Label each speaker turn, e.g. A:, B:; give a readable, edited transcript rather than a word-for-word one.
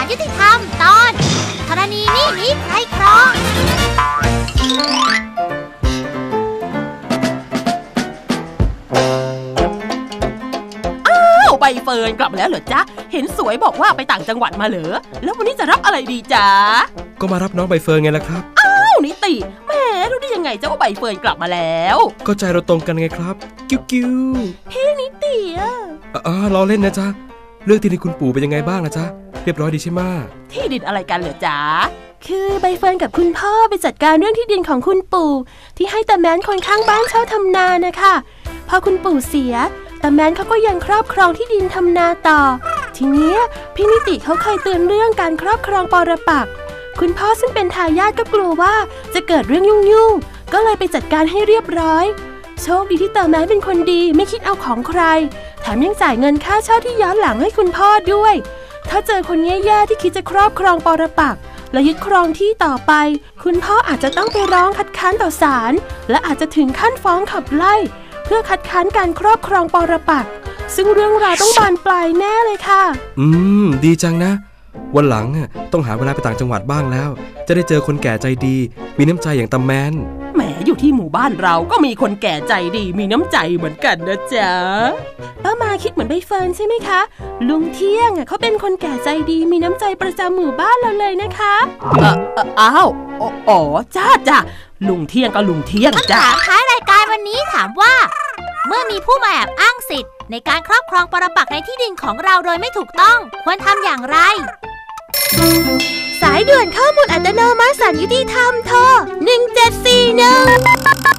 A: ลยุติธรรมตอนธรณีนี่หนีใครครอง
B: ใบเฟิร์นกลับมาแล้วเหรอจ๊ะเห็นสวยบอกว่าไปต่างจังหวัดมาเหรอแล้ววันนี้จะรับอะไรดีจ๊ะ
C: ก็มารับน้องใบเฟิร์นไงล่ะครับ
B: นิติแหมรู้ได้ยังไงเจ้าว่าใบเฟิร์นกลับมาแล้ว
C: ก็ใจเราตรงกันไงครับกิ้ว
B: พี่นิติ
C: ล้อเล่นนะจ๊ะเรื่องที่ดินคุณปู่เป็นยังไงบ้างนะจ๊ะเรียบร้อยดีใช่ไหม
B: ที่ดินอะไรกันเหรอจ๊ะ
D: คือใบเฟิร์นกับคุณพ่อไปจัดการเรื่องที่ดินของคุณปู่ที่ให้ตาแมนคนข้างบ้านเช่าทำนานะคะพอคุณปู่เสียตาแมนเขาก็ยังครอบครองที่ดินทำนาต่อทีนี้พี่นิติเขาเคยเตือนเรื่องการครอบครองปรปักษ์คุณพ่อซึ่งเป็นทายาทก็กลัวว่าจะเกิดเรื่องยุ่งๆก็เลยไปจัดการให้เรียบร้อยโชคดีที่ตาแมนเป็นคนดีไม่คิดเอาของใครแถมยังจ่ายเงินค่าเช่าที่ย้อนหลังให้คุณพ่อด้วยถ้าเจอคนแย่ๆที่คิดจะครอบครองปรปักษ์และยึดครองที่ต่อไปคุณพ่ออาจจะต้องไปร้องคัดค้านต่อศาลและอาจจะถึงขั้นฟ้องขับไล่เพื่อคัดค้านการครอบครองปรปักษ์ซึ่งเรื่องราวต้องบานปลายแน่เลยค่ะ
C: ดีจังนะวันหลังต้องหาเวลาไปต่างจังหวัดบ้างแล้วจะได้เจอคนแก่ใจดีมีน้ำใจอย่างตาแมน
B: แหมอยู่ที่หมู่บ้านเราก็มีคนแก่ใจดีมีน้ำใจเหมือนกันนะจ๊ะ
D: ป้ามาคิดเหมือนใบเฟิร์นใช่ไหมคะลุงเที่ยงเขาเป็นคนแก่ใจดีมีน้ำใจประจำหมู่บ้านเราเลยนะคะ
B: จ้าลุงเที่ยงก็ลุงเที่ยงจ้า
A: ถามท้ายรายการวันนี้ถามว่าเมื่อมีผู้มาแอบอ้างสิทธิ์ในการครอบครองปรปักษ์ในที่ดินของเราโดยไม่ถูกต้องควรทำอย่างไร
D: สายด่วนข้อมูลอัตโนมัติศาลยุติธรรมโทร1741